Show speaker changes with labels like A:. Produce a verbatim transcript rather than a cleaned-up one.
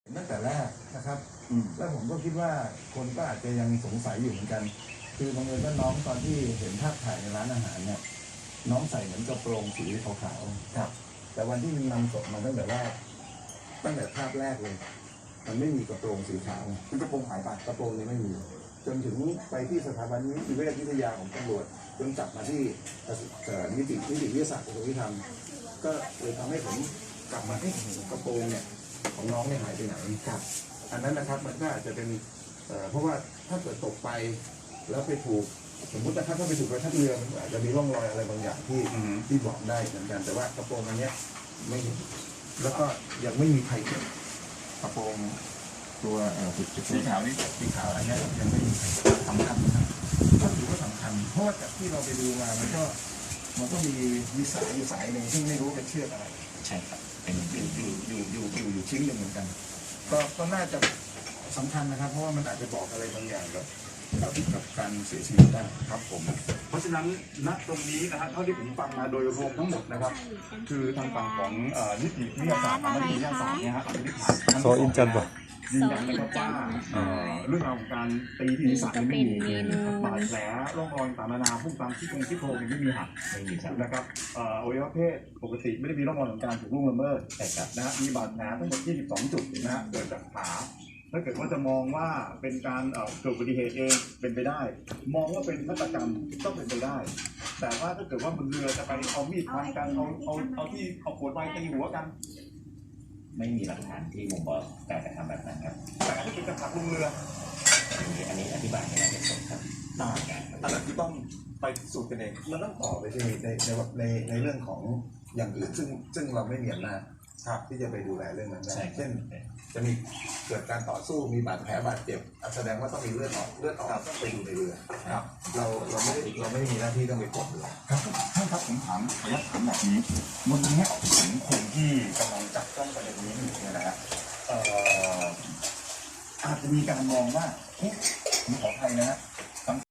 A: ตั้งแต่แรกนะครับแล้วผมก็คิดว่าคนก็อาจจะยังสงสัยอยู่เหมือนกันคือบังเอิญว่าน้องตอนที่เห็นภาพถ่ายในร้านอาหารเนี่ยน้องใส่เหมือนกระโปรงสีขาวๆครับแต่วันที่มันนำศพมาตั้งแต่แรกตั้งแต่ภาพแรกเลยมันไม่มีกระโปรงสีขาวคือกระโปรงหายไปกระโปรงนี้ไม่มีจนถึงไปที่สถาบันนิติเวชวิทยาของตำรวจจนจับมาที่นิตินิติวิทยาศาสตร์กระทรวงยุติธรรมก็เลยทำให้ผมกลับมาที่กระโปรงเนี่ยของน้องเนี่ยหายไปไหนครับอันนั้นนะครับมันก็อาจจะเป็นเพราะว่าถ้าเกิดตกไปแล้วไปถูกสมมตินะครับถ้าไปถูกใบพัดเรือมันอาจจะมีร่องรอยอะไรบางอย่างที่ที่บอกได้เหมือนกันแต่ว่ากระโปรงอันนี้ไม่เห็นแล้วก็ยังไม่มีใครเก็บกระโปรงตัวสีขาวนี่สีขาวอันนี้ยังไม่มีใครสำคัญนะครับก็ถือว่าสำคัญเพราะว่าจากที่เราไปดูมามันก็มันก็มีมีสายอยู่สายหนึ่งซึ่งไม่รู้เป็นเชือกอะไร
B: ใช่ครับเป็น
A: อยู่อยู่อยู่อยู่อยู่ชิ้นหนึ่งเหมือนกันก็ก็น่าจะสำคัญนะครับเพราะว่ามันอาจจะบอกอะไรบางอย่างกับกับกับการเสียชีวิตได้ครับผมเพราะฉะนั้นณตรงนี้นะฮะเท่าที่ผมฟังมาโดยรวมทั้งหมดนะครับคือทางฝั่งของนิติวิทยาศาสตร์นิติวิทยาศาสตร์เนี่ยฮะ
C: โซอินจันทร์ป่ะ
A: ยืนยันนะครับว่าเรื่องราวของการตีที่ศีรษะไม่มีบาดแผลร่องรอยต่างๆนานาพุ่งตามที่ตรงที่โครงไม่มีหักไม่มีนะครับอวัยวะเพศปกติไม่ได้มีร่องรอยของการถูกล่วงละเมิดแต่นะฮะมีบาดแผลทั้งหมดยี่สิบสองจุดนะฮะเกิดจากขาถ้าเกิดว่าจะมองว่าเป็นการเกิดอุบัติเหตุเองเป็นไปได้มองว่าเป็นฆาตกรรมก็เป็นไปได้แต่ว่าถ้าเกิดว่าบนเรือจะไปเอามีดฟันกันเอาเอาเอาที่เอาขวดไวน์ตีหัวกัน
B: ไม่มีหลักฐานที่บ่งบอกการกระทำแบบนั้นครับ
A: แต่ถ้าเกิดจะขับลงเรือ
B: อันนี้อันนี้อธิบายไม่ได้เป็นผลครับ
A: ต่างกันอันนั้นคือต้องไปสูตรกันเองมันต้องต่อไปในในในในเรื่องของอย่างอื่นซึ่งซึ่งเราไม่มีอำนาจที่จะไปดูแลเรื่องนั้นได้เช่นจะมีเกิดการต่อสู้มีบาดแผลบาดเจ็บแสดงว่าต้องมีเลือดออกเลือดออกต้องไปดูในเรือครับเราเราไม่ได้เราไม่มีหน้าที่ต้องไปกดเรือ
D: ครับท่านครับผมถามขออนุญาตถามแบบนี้วันนี้ถึงคนที่กำลังจับจ้องประเด็นนี้อยู่เนี่ยนะฮะอาจจะมีการมองว่าผมขออภัยนะฮะ